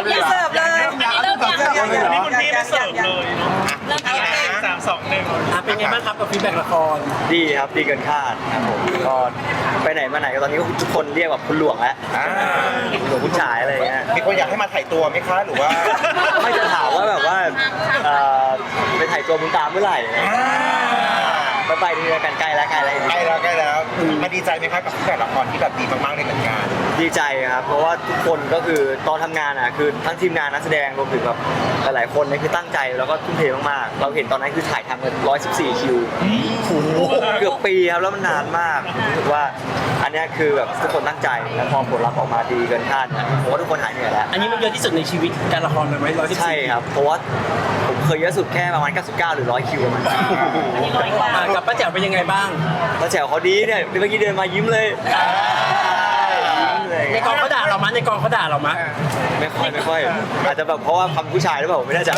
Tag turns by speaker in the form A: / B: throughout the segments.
A: อย่าเสิร์ฟเลย
B: เริ่มยัง
C: อันนี้คุณพี่ไม่เสิร์ฟเลย
B: เริ่มยัง
C: 3 2 1
D: เป็นไงบ้างครับกับฟีดแบ็กละคร
E: ดีครับดีเกินคาดครับผมก็ไปไหนมาไหนก็ตอนนี้ก็ทุกคนเรียกแบบคุณหลวงแล้วหลวงคุณชายอะไรอย่างเงี้ย
F: มีคนอยากให้มาถ่ายตัวไหมคะหรือว่า
E: ไม่จะถามว่าแบบว่าไปถ่ายตัวบุญตามเมื่อไหร่ไปทีละกันใกล้แล้วใกล้แล้ว
F: ใกล้แล้วมาดีใจไหมคะกับแต่ละครที่แบบดีมากๆในผลงาน
E: ดีใจครับเพราะว่าทุกคนก็คือตอนทำงานอ่ะคือทั้งทีมงานนักแสดงรวมถึงแบบหลายๆคนเนี่ยคือตั้งใจแล้วก็ทุ่มเทมากๆเราเห็นตอนนั้นคือถ่ายทำกัน114 คิวเกือบปีครับแล้วมันนานมากรู้สึกว่าอันเนี้ยคือแบบทุกคนตั้งใจแล้วพอผลลัพธ์ออกมาดีเกินคาดเนี่ยผมว่าทุกคนหายเหนื่อยแล้ว
D: อันนี้มันเยอะที่สุดในชีวิตการละครเลยไหม114
E: ใช่ครับเพราะว่าผมเคยเยอะสุดแค่ประมาณ99หรือ100 คิวประมาณ
D: กับป้าแจ๋วเป็นยังไงบ้าง
E: แล้วแจ๋วเขาดีเนี่ยเมื่อกี้เดินมายิ้มเลยยิ้มเลย
D: ในกองเขาด่าเรามั้ยในกองเขาด่าเรามั้ย
E: ไม่ค่อยอาจจะแบบเพราะว่าคำผู้ชายหรือเปล่าผมไม่แน่ใจ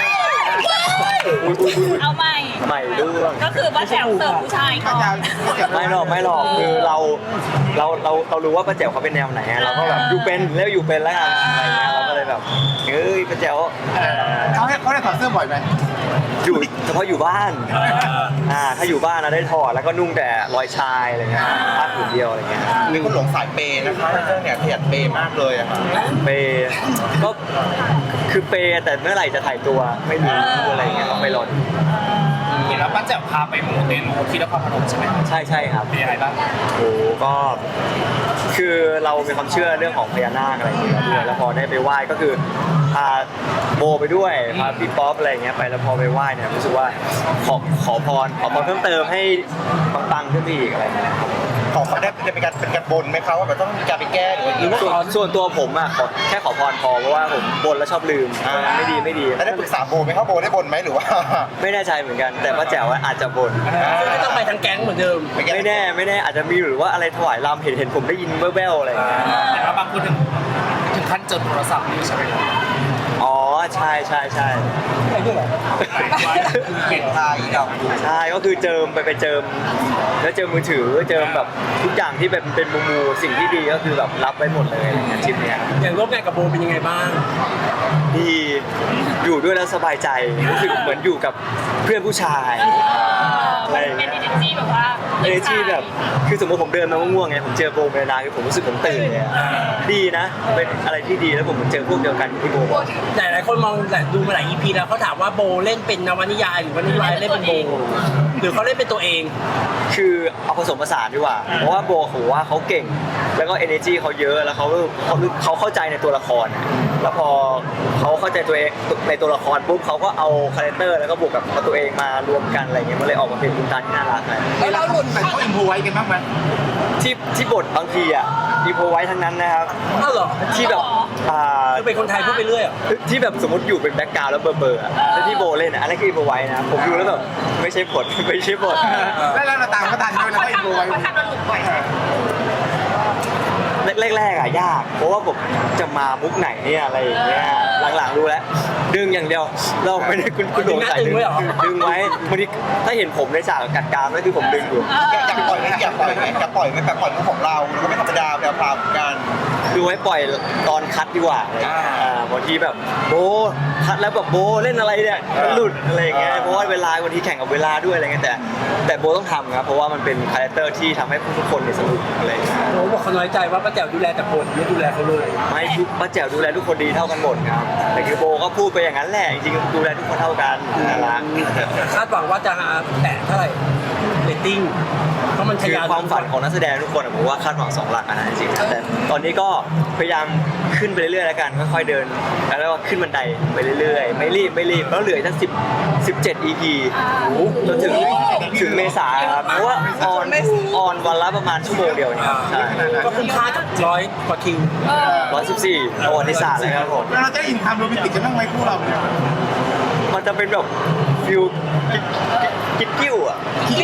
B: เอาใหม่
E: ใหม่ด้วย
B: ก็คือป้าแจ๋วเสิร์ฟผู้ชายก่อน
E: ไม่หรอกคือเรารู้ว่าป้าแจ๋วเขาเป็นแนวไหนเราก็แบบอยู่เป็นแล้วอยู่เป็นแล้วกันอะไรเงี้ยเราก็เลยแบบเฮ้ยป้าแจ๋ว
A: เขาได้ถอดเสื้อบ่อยไหม
E: อยู่เฉพาะอยู่บ้านถ้าอยู่บ้านนะได้ถอดแล้วก็นุ่งแต่รอยชายอะไรเงี้ยผ้าผืนเดียวอะไรเงี้ย
F: มีคนหลงสายเปย์นะคะในเรื่องเนี่ยขยันเปย์มากเลยอะค่ะ
E: เปย์ก็คือเปย์แต่เมื่อไหร่จะถ่ายตัวไม่รู้อะไรเงี้ยต้องไปรอดู
C: เห็นแล้วป้าแจ๋วพาไปมูเตลูที่นครพนมใช่ไหม
E: ใช่ครับ
C: เป็นยังไงบ้าง
E: โอ้ก็คือเรามีความเชื่อเรื่องของพญานาคอะไรอย่างเงี้ยด้วยแล้วพอได้ไปไหว้ก็คือพาโบไปด้วยพาพี่ป๊อปอะไรอย่างเงี้ยไปแล้วพอไปไหว้เนี่ยรู้สึกว่าขอพรเพิ่มเติมให้ปังๆขึ้นไปอีกอะไรอย่างเงี้ย
F: ของเขาได้เป็นการบนไหมคะว่าแบบต้องมีการไปแก้หรือว่า
E: ส่วนตัวผมอ่ะแค่ขอพรพอเพราะว่าผมบนแล้วชอบลืมไม่ดี
F: แล้วได้ปรึกษาโบไหมคะโบได้บนไหมหรือว่า
E: ไม่แน่ใจเหมือนกันแต่ป้าแจ๋วอาจจะบน
D: ไม่ต้องไปทั้งแก๊งเหมือนเดิม
E: ไม่แน่อาจจะมีหรือว่าอะไรถวายรำเห็นผมได้ยินแว่วๆอะไรอย่างเงี้ย
C: แต่ว่าบางคนถึงขั้นจดโทรศัพท์นี่ใช่ไหมครับ
E: อ๋อใช่
F: เก่งไทยดอก
E: ใช่ก็คือเจิมไปเจิมแล้วเจิมมือถือเจิมแบบทุกอย่างที่เป็นมูสิ่งที่ดีก็คือแบบรับไว้หมดเลยอะไรเงี้ยทริปเนี้ย
D: อย่างร่วมงานกับโบเป็นยังไงบ้าง
E: ดีอยู่ด้วยแล้วสบายใจรู้สึกเหมือนอยู่กับเพื่อนผู้ชายอะไร
B: เป็น
E: เงี้ย
B: energy แบบว่า
E: เอเนจีแบบคือสมมติผมเดินมาง่วงๆไงผมเจอโบเมลดาคือผมรู้สึกผมตื่นเลยอะดีนะเป็นอะไรที่ดีแล้วผมเจอพวกเดียวกันที่โบบอก
D: แต่หลายคนมองแต่ดูมาหลาย EP แล้วเขาถามว่าโบเล่นเป็นนวนิยายหรือวนิยายเล่นเป็นโบหรือเขาเล่นเป็นตัวเอง
E: คือเอาผสมผสานดีกว่าเพราะว่าโบเขาว่าเขาเก่งแล้วก็ energy เขาเยอะแล้วเขาเข้าใจในตัวละครอะแล้วพอเขาเข้าใจตัวเองในตัวละครปุ๊บเขาก็เอาคาแรคเตอร์แล้วก็บวกกับตัวเองมารวมกันอะไรเงี้ยมันเลยออกมาเป็นคุณตาที่น่ารักเลย
A: แล้วเราหลุดไปเขาอินโพไว้กันบ้างไหม
E: ที่บทบางทีอ่ะอีโพไว้ทั้งนั้นนะครับ
D: อ้าวเหรอ
E: ที่แบบ
D: คือเป็นคนไทยพูดไปเรื่อยเหรอ
E: ที่แบบสมมติอยู่เป็นแบ็คกราวด์แล้วเบอร์อะแล้วที่โบเล่นอ่ะอันนั้นคืออีโพไว้นะผมดูแล้วแบบไม่ใช่บท ไม่ใช่บท
A: แล้วเราตามเขาทันด้วยแล้วก็อินโพไว้
B: เขาทำเราหลุดบ่อย
E: แรกๆอ่ะยาก เพราะว่าผมจะมามุกไหนเนี่ยอะไรอย่างเงี้ยหลังๆรู้แล้วดึงอย่างเดียวเราไม่ได้คุณโดนใส่ดึงไว้บางทีถ้าเห็นผมในฉากกัดกรามนั่นคือผมดึงอยู่
F: อยากปล่อยไหมแบบปล่อยมุกของเราแล้วก็ไม่ธรรมดาแบบพรามกัน
E: คือไว้ปล่อยตอนคัดดีกว่าบางทีแบบโบคัดแล้วแบบโบเล่นอะไรเนี่ยมันหลุดอะไรอย่างเงี้ยเพราะว่าเวลาบางทีแข่งกับเวลาด้วยอะไรเงี้ยแต่โบต้องทำครับเพราะว่ามันเป็นคาแรคเตอร์ที่ทำให้ทุกคนเนี่ยสนุกอะไรอย่างเงี้ย
D: โบบอกเขาน้อยใจว่าป้าแจ๋วดูแลแต่โบไม่ดูแลเขาเลย
E: ไม่ทุกป้าแจ๋วดูแลทุกคนดีเท่ากันหมดครับแต่คือโบก็พูดไปอย่างนั้นแหละจริงๆดูแลทุกคนเท่ากันน่ารัก
D: คาดหวังว่าจะแตะเท่าไหร่เรตติ้งเพราะมันทะ
E: คือย
D: าน
E: ความฝันของนักแสดงทุกคนอะผมว่าคาดหวัง2 หลักนะจริงๆแต่ตอนนี้ก็พยายามขึ้นไปเรื่อยๆแล้วกันค่อยๆเดินแล้วก็ขึ้นบันไดไปเรื่อยๆไม่รีบแล้วเหลือทั้ง17 EP จนถึงเมษาครับเพราะว่าออนวันละประมาณชั่วโมงเดียวเนี่ยใช่
D: ก็คุ้มค่ากับ100 กว่าคิว
E: 114ประวัติศาสตร์เลยครับผม
A: แล้วเราจะอินทำโรแมนติกกันบ้างไหมคู่เราเนี่ย
E: มันจะเป็นแบบฟิลกิ๊กกิ้วอ่ะ
A: คิ้ว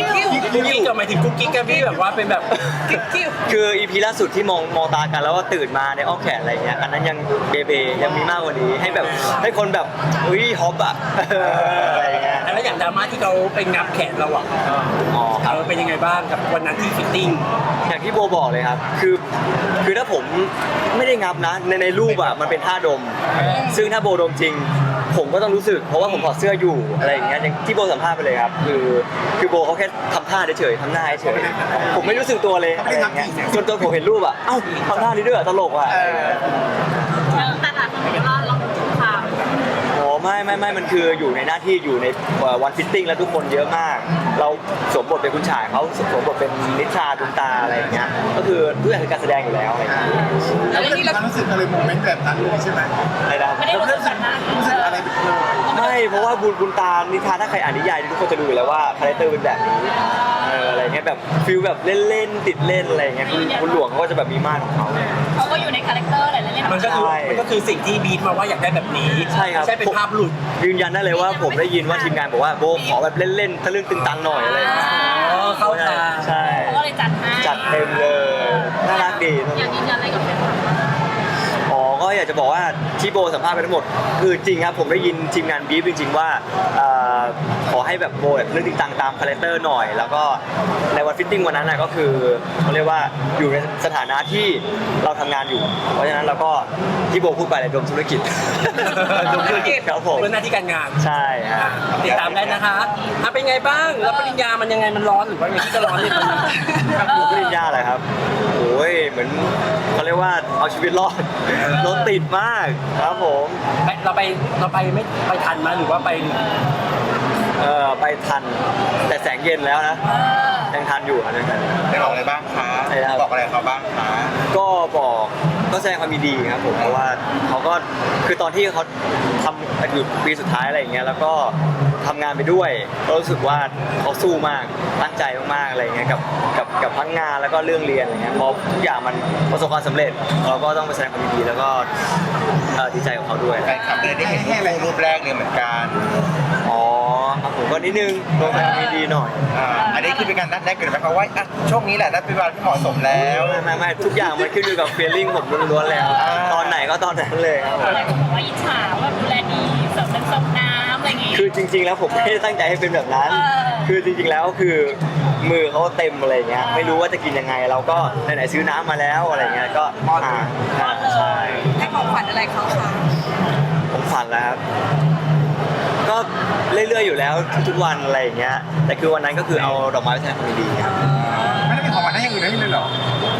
D: กุ๊กกิ๊กกับหมายถึงกุ๊กกิ๊กกันพี่แบบว่าเป็นแบบ
E: คืออีพีล่าสุดที่มองตากันแล้วว่าตื่นมาในอ้อมแขนอะไรเงี้ยอันนั้นยังเบเบยังมีมากกว่านี้ให้แบบให้คนแบบอุ้ยฮอปอะอะไรเงี้ย
D: แล้วอย่างดราม่าที่เขาไปงับแขนเราอ่ะ
E: อ๋อครับ
D: เป็นยังไงบ้างกับวันนั้นที่ฟิตติ้ง
E: อย่างที่โบบอกเลยครับคือถ้าผมไม่ได้งับนะในรูปอะมันเป็นท่าดม ซึ่งถ้าโบดมจริง ผมก็ต้องรู้สึกเพราะว่าผมถอดเสื้ออยู่อะไรอย่างเงี้ยอย่างที่โบสัมภาษณ์ไปเลยครับคือโบเขาแค่ทำท่าเฉยๆทำหน้าเฉยๆผมไม่รู้สึกตัวเลยอะไรอย่างเงี้ยจนผมเห็นรูปอะเอ้าทำท่านี้ด้วยเหรอตลกอะ
B: แต่หลายคนบอกว่าเราถูกข่าว
E: โอ้ไม่มันคืออยู่ในหน้าที่อยู่ในวันฟิตติ้งแล้วทุกคนเยอะมาก เราสวมบทเป็นคุณชายเขาสวมบทเป็นนิชาดุนตาอะไรอย่างเงี้ยก็คือทุกอย่างคือการแสดงอยู่แล้วอะไรอย่างเงี้ย
A: แล้วไม่ได้ความรู้สึกอะไรโมเมนต์แบบนั้นเลยใช่ไหม
E: อะไรนะครับ
B: ไม่ได้รู้สึกแบบนั้น
A: รู้สึกอะไรเป็นโล
E: ไม่เพราะว่าบุญตานิทานถ้าใครอ่านนิยายทุกคนจะรู้อยู่แล้วว่าคาแรคเตอร์เป็นแบบนี้อะไรเงี้ยแบบฟิลแบบเล่นติดเล่นอะไรเงี้ยคุณหลวงเขาก็จะแบบมีม่านของเขา
B: เขาก็อยู่ในคาแรคเตอร์อะไรเล่นๆ
D: มันก็คือสิ่งที่บีทมาว่าอยากได้แบบนี้
E: ใช่ครับ
D: ใช่เป็นภาพหลุด
E: ยืนยันได้เลยว่าผมได้ยินว่าทีมงานบอกว่าโบขอแบบเล่นๆทะลึ่งตึงตังหน่อยอะไรอย่างเงี้ย
D: อ๋อเข้าตา
E: ใช่
B: เขาก็เลยจัดให้
E: จัดเต็มเลยน่ารักดี
B: อยากยืนยันอะไรกับแฟนคลับ
E: อ๋อก็อยากจะบอกว่าที่โบสัมภาษณ์ไปทั้งหมดคือจริงครับผมได้ยินทีมงานบีฟจริงๆว่าขอให้แบบโบแบบเรื่องจริงตังตามคาแรคเตอร์หน่อย แล้วก็ในวันฟิตติ้งวันนั้นนะก็คือเขาเรียกว่าอยู่ในสถานะที่เราทำงานอยู่ เพราะฉะนั้นเราก็ที่โบพูดไปเลยรวมธุรกิจ รวมธุรกิจครับผม
D: เพื่อหน้าที่การงาน
E: ใช่ฮะ
D: ติดตามได้นะคะเป็นไงบ้างแล้วปริญญามันยังไงมันร้อนหรือว่ายังที่จะร้อนเนี่ยมัน
E: ดูปริญญาอะไรครับโอ้ยเหมือนเขาเรียกว่าเอาชีวิตรอดรถติดมากครับผม
D: เราไปไม่ไปทันมาหรือว่าไป
E: ไปทันแต่แสงเย็นแล้วนะยังทันอยู่นะ
F: ได้บอกอะไรบ้างคะ
E: ใช่ครับ
F: บอกอะไรเขาบ้างคะ
E: ก็แสดงความยินดีครับผมเพราะว่าเขาก็คือตอนที่เขาทำอยู่ปีสุดท้ายอะไรอย่างเงี้ยแล้วก็ทำงานไปด้วยก็รู้สึกว่าเขาสู้มากตั้งใจมากๆอะไรอย่างเงี้ยกับทั้งงานแล้วก็เรื่องเรียนอะไรเงี้ยพอทุกอย่างมันประสบความสำเร็จเราก็ต้องไปแสดงความยินดีแล้วก็ดีใจกับเขาด้วย
F: แฟนคลับเลยได้เห็นรูปแรกเลยเหมือนกัน
E: อ๋อครับผมก็นิดนึงลงไปมีดีหน่อย
F: อันนี้คือเป็นการนัดแนะกันไหมคะว่าอ่ะช่วงนี้แหละนัดเป็นเวลาที่เหมาะสมแล้ว
E: ไม่ทุกอย่างมันขึ้นอยู่กับ feeling ผมล้วนๆแล้วตอนไหนก็ตอนนั้นเลยครับ
B: อะไรก็บอกว่าอิจฉาว่าดูแลดีเสิร์ฟน้ำส้มน้ำอะไรอย่างงี้
E: คือจริงๆแล้วผมไม่ได้ตั้งใจให้เป็นแบบนั้น คือจริงๆแล้วคือมือเขาเต็มอะไรเงี้ยไม่รู้ว่าจะกินยังไงเราก็ไหนๆซื้อน้ำมาแล้วอะไรเงี้ยก็ใช่
B: ให้ของขวัญอะไรเขาคะ
E: ผมฝันแล้วครับก็เรื่อยๆอยู่แล้วทุกๆวันอะไรอย่างเงี้ยแต่คือวันนั้นก็คือเอาดอกไม้ไปแทนความดีครับ
A: ไม่ได้เป็นของขวัญให้อย่างอื่นได้เลยเหรอ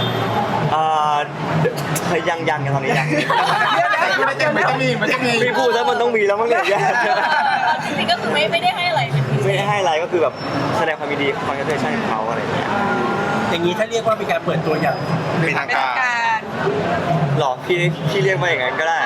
E: ยังกันตอนนี้ยัง
A: มันจะมี
E: พี่พูดแล้วมันต้องมีแล้วมั้งเนี่ย
B: จริงๆก็คือไม่ได้ให้อะไรเป็นพิเศ
E: ไม่
B: ษ
E: ได้ให้อะไรก็คือแบบแสดงความยินดีคอนเทนต์ของเขาอะไรอย่างเงี้ย
D: อย่างนี้ถ้าเรียกว่าเป็นการเปิดตัวอย่าง
F: เป็นทางการ
E: หรอพี่เรียกมาอย่างนั้นก็ได้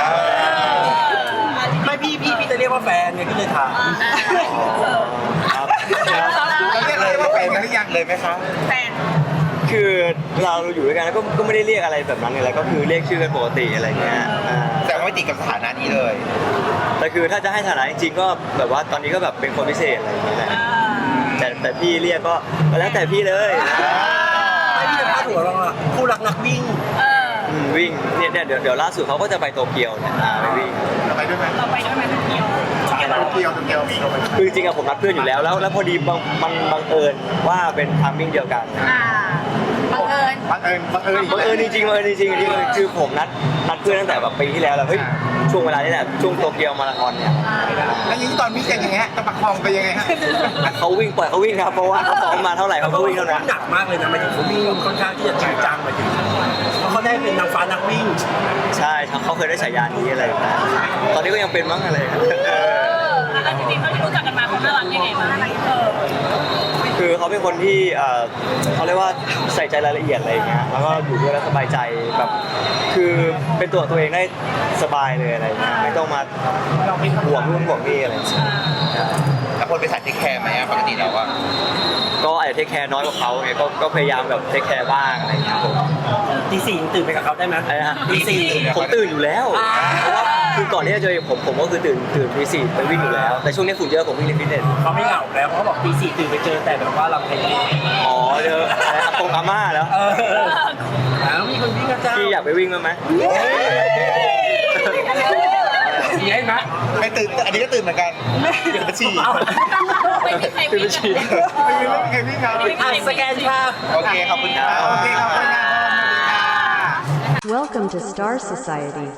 D: ไม่พี่จะเรียกว่าแฟนไงพี่เลยถาม
E: ครับ
A: เราเรียกเลยว่าแฟนกันหรือยัง
F: เลยไหมคะ
B: แฟน
E: คือเราอยู่ด้วยกันแล้วก็ไม่ได้เรียกอะไรแบบนั้นเลยก็คือเรียกชื่อกันปกติอะไรเงี้ย
F: แต่ว่าไม่ติดกับสถานะนี้เลย
E: แต่คือถ้าจะให้ฐานะจริงๆก็แบบว่าตอนนี้ก็แบบเป็นคนพิเศษอะไรอย่างเงี้ยแหละแต่พี่เรียกก็แล้วแต่พี่เลย
D: ไม่พี่จะพาดหัวเราอะคู่รักนักวิ่ง
E: วิ่งเนี่ยเดี๋ยวล่าสุดเขาก็จะไปโตเกียวเนี่ยไปวิ่ง
A: เราไปด้วยไหม
B: เราไปด้วยไหมคนเดียว
A: เที่ยวมีเราไป
E: คือจริงๆอะผมนัดเพื่อนอยู่แล้วพอดีมันบังเอิญว่าเป็นทามมิ่งเดียวกัน
B: บังเอิญ
A: บังเอิญ
E: จริงคือผมนัดเพื่อนตั้งแต่แบบปีที่แล้วเฮ้ยช่วงเวลานี้แหละช่วงโตเกียวมาราธอนเนี่ย
A: แล้วอย่างนี้ตอนวิ่งกันยังไงฮะจะประคองไปยังไงฮะ
E: เขาวิ่งปล่อยเขาวิ่งครับเพราะว่าเขาซ้อมมาเท่าไหร่เขาก็วิ่งเท่านั้น
D: หนักมากเลยนะหมายถึงเขาวิ่งค่อนข้างที่จะจริงจังหมายถึงเพราะเขาได้เป็นนางฟ้านักวิ่ง
E: ใช่เขาเคยได้ฉายานี้อะไรแบบนั้นตอนนี้ก็ยังเป็นมั้งอะไร
B: แล้วจริงๆเขาที่รู้จักกันมาเขาน่ารักยังไงบ้าง
E: คือเขาเป็นคนที่เขาเรียกว่าใส่ใจรายละเอียดอะไรอย่างเงี้ยแล้วก็อยู่ด้วยแล้วสบายใจแบบคือเป็นตัวเองได้สบายเลยอะไรอย่างเงี้ยไม่ต้องมาห่วงนู่นห่วงนี่อะไรอย่างเงี้ย
F: แล้วคนไปใส่เทคแคร์ไหมปกติเราอะ
E: ก็อาจจะเทคแคร์น้อยกว่าเขาไงก็พยายามแบบเทคแคร์บ้างอะไรอย่างเงี้ยผม
D: ตี 4ตื่นไปกับเขาได้ไหม
E: อะไรนะ
D: ตี 4
E: ผมตื่นอยู่แล้วเพราะว่าคือก่อนที่จะเจอผมก็คือตื่นตีสี่ไปวิ่งอยู่แล้ว แต่ช่วงนี้ฝุ่นเยอะผมวิ่งในฟิตเนส
D: เขาไม่เหงาแล้วเพราะเขาบอกตีสี่ตื่นไปเจอแต่แบบว่าเราแพ้
E: อ๋อเจออะไรอากงอาม่าแล้ว
D: แล้วมีคนวิ่งกันจ้า
E: พี่อยากไปวิ่งมั้ยไหม
D: มีให้ไหม
F: ไม่ตื่นอันนี้ก็ตื่นเหมือนกันเดี๋ยวมาฉี่
B: ไม่มีใครวิ่งกันเลย
A: ไม่มีใครวิ่งครับ
D: สแกนภาพ
F: โอเคขอบคุณครับ
A: โอเคครับขอบคุณครับ
G: Welcome to Star Society.